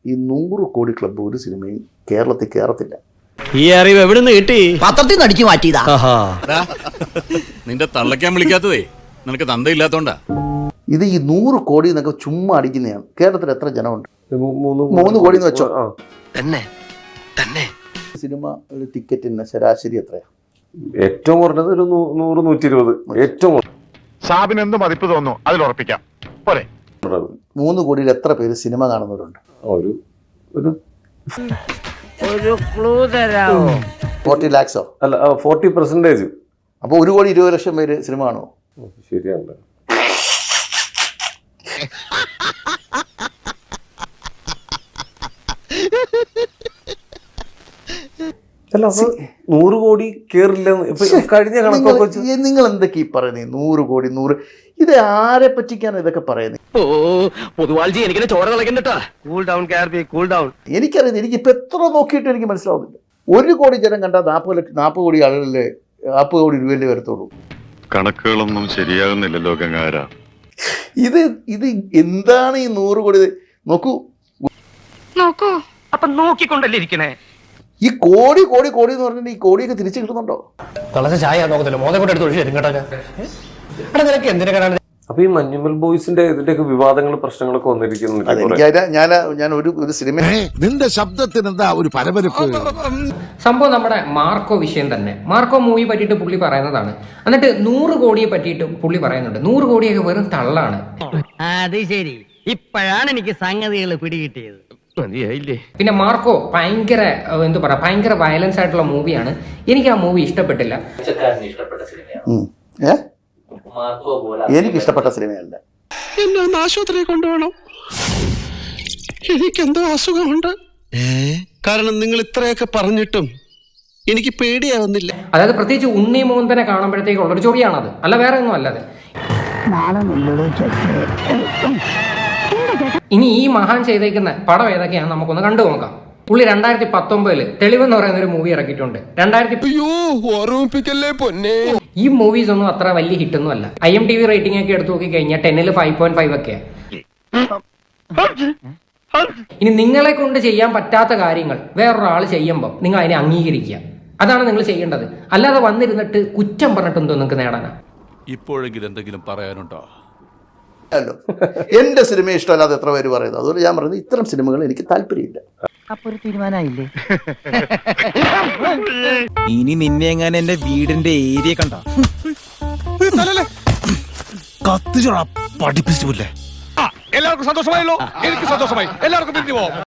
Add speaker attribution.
Speaker 1: ഈ 100 കോടി ക്ലബ്ബ് ഒരു സിനിമയും കേരളത്തിൽ കയറത്തില്ല.
Speaker 2: ഈ അറിവ് എവിടെ നിന്ന് കിട്ടി?
Speaker 3: പത്രത്തിൽ നിന്ന് അടിച്ചു മാറ്റിയതാ.
Speaker 4: നിന്റെ തള്ളക്കാൻ വിളിക്കാത്തതേ നിനക്ക് തന്തയില്ലാത്തോണ്ടാ.
Speaker 1: ഇത് ഈ 100 കോടി എന്നൊക്കെ ചുമ്മാ അടിക്കുന്നതാണ്. കേരളത്തിൽ എത്ര ജനമുണ്ട്? 3 കോടി എന്ന് വെച്ചോ.
Speaker 3: തന്നെ
Speaker 1: സിനിമ ഒരു ടിക്കറ്റിന് ശരാശരി എത്രയാണ്?
Speaker 5: ഏറ്റവും കുറഞ്ഞത് ഒരു 100-120. ഏറ്റവും
Speaker 6: സാബിന് എന്ത് മതിപ്പ് തോന്നുന്നു അതിൽ ഉറപ്പിക്കാം. പോരെ
Speaker 1: 3 കോടിയിൽ എത്ര പേര് സിനിമ കാണുന്നവരുണ്ട്?
Speaker 5: ഒരു
Speaker 1: 40 lakhs
Speaker 5: അല്ല 40%.
Speaker 1: അപ്പോൾ 1,20,00,000 പേര് സിനിമ കാണുമോ?
Speaker 5: ശരിയാണ്. അല്ല 100 കോടി കേറില്ല. കഴിഞ്ഞ കണക്കൊക്കെ
Speaker 1: നിങ്ങൾ എന്തൊക്കെ ഈ പറയുന്നത്? 100 കോടി 100 ഇത് ആരെ പറ്റിക്കാണ് ഇതൊക്കെ പറയുന്നത്? എനിക്കറിയാം. എനിക്കിപ്പോ എത്ര നോക്കിയിട്ട് എനിക്ക് മനസ്സിലാവുന്നില്ല. 1 കോടി ജനം കണ്ടാൽ 40 കോടി ആളുകളിലെ 40 കോടി രൂപയല്ലേ വരത്തുള്ളൂ.
Speaker 6: കണക്കുകളൊന്നും ശരിയാകുന്നില്ലല്ലോ ഗംഗാര.
Speaker 1: ഇത് എന്താണ് ഈ 100 കോടി? നോക്കൂ
Speaker 3: അപ്പൊ നോക്കിക്കൊണ്ടല്ലേ ഇരിക്കണേ.
Speaker 1: ഈ കോടി കോടി കോടി എന്ന് പറഞ്ഞിട്ട് ഈ കോടിയൊക്കെ തിരിച്ചു കിട്ടുന്നുണ്ടോ?
Speaker 2: തിളച്ച ചായ നോക്കത്തില്ല, മോനെ കൊണ്ട് എടുത്ത് ഒഴിച്ചു തരും കേട്ടോ. നിനക്ക് എന്തിനാ കാണാൻ?
Speaker 5: അപ്പൊ ഈ മഞ്ഞുമൽ ബോയ്സിന്റെ ഇതിന്റെയൊക്കെ വിവാദങ്ങളും പ്രശ്നങ്ങളൊക്കെ വന്നിരിക്കുന്നുണ്ട്.
Speaker 1: ഞാൻ ഒരു സിനിമ
Speaker 7: നിന്റെ ശബ്ദത്തിന് എന്താ ഒരു പരപരപ്പ്?
Speaker 8: സംഭവം നമ്മുടെ മാർക്കോ വിഷയം തന്നെ. മാർക്കോ മൂവി പറ്റിയിട്ട് പുള്ളി പറയുന്നതാണ്. എന്നിട്ട് 100 കോടിയെ പറ്റിയിട്ട് പുള്ളി പറയുന്നുണ്ട്. 100 കോടിയൊക്കെ വെറും തള്ളാണ്.
Speaker 3: അത് ശരി, ഇപ്പോഴാണ് എനിക്ക് സംഗതികൾ പിടികിട്ടിയത്.
Speaker 8: പിന്നെ മാർക്കോ ഭയങ്കര ഭയങ്കര വയലൻസ് ആയിട്ടുള്ള മൂവിയാണ്. എനിക്ക് ആ മൂവി ഇഷ്ടപ്പെട്ടില്ല.
Speaker 1: എനിക്ക് ഇഷ്ടപ്പെട്ട സിനിമയല്ല.
Speaker 7: എന്നെ ഒന്ന് ആശുപത്രിയിൽ കൊണ്ടുപോകണം, എനിക്കെന്തോ അസുഖമുണ്ട്. കാരണം നിങ്ങൾ ഇത്രയൊക്കെ പറഞ്ഞിട്ടും എനിക്ക് പേടിയാവുന്നില്ല.
Speaker 8: അതായത് പ്രത്യേകിച്ച് ഉണ്ണി മോന്തനെ കാണുമ്പോഴത്തേക്ക് ഉള്ളൊരു ചൊറിയാണത്, അല്ല വേറെ ഒന്നും അല്ലാതെ. ഇനി ഈ മഹാൻ ചെയ്തേക്കുന്ന പടം ഏതൊക്കെയാണ് നമുക്കൊന്ന് കണ്ടു നോക്കാം. പുള്ളി 2019 തെളിവെന്ന് പറയുന്ന ഒരു മൂവി ഇറക്കിയിട്ടുണ്ട്. ഈ മൂവീസ് ഒന്നും അത്ര വലിയ ഹിറ്റൊന്നും അല്ല. IMDb റേറ്റിംഗ് ഒക്കെ എടുത്തു നോക്കി കഴിഞ്ഞാൽ 10ൽ 5.5 ഒക്കെയാണ്. ഇനി നിങ്ങളെ കൊണ്ട് ചെയ്യാൻ പറ്റാത്ത കാര്യങ്ങൾ വേറൊരാൾ ചെയ്യുമ്പോൾ നിങ്ങൾ അതിനെ അംഗീകരിക്കുക. അതാണ് നിങ്ങൾ ചെയ്യേണ്ടത്. അല്ലാതെ വന്നിരുന്നിട്ട് കുറ്റം പറഞ്ഞിട്ടെന്തോ നിങ്ങൾക്ക് നേടാനാ.
Speaker 4: ഇപ്പോഴെങ്കിലും എന്തെങ്കിലും പറയാനുണ്ടോ?
Speaker 1: അല്ലോ, എന്റെ സിനിമ ഇഷ്ടമല്ലാതെ എത്ര പേര് പറയുന്നത്. അതുകൊണ്ട് ഞാൻ പറയുന്നത് ഇത്തരം സിനിമകൾ എനിക്ക് താല്പര്യമില്ല.
Speaker 3: അപ്പൊ ഒരു തീരുമാനമായില്ലേ?
Speaker 2: ഇനി നിന്നെ എങ്ങനെ എന്റെ വീടിന്റെ ഏരിയ കണ്ട കത്തിച്ചോടാ പഠിപ്പിച്ചില്ലേ.
Speaker 6: എല്ലാവർക്കും സന്തോഷമായല്ലോ. എനിക്ക് സന്തോഷമായി. എല്ലാവർക്കും പിരിഞ്ഞു പോവാം.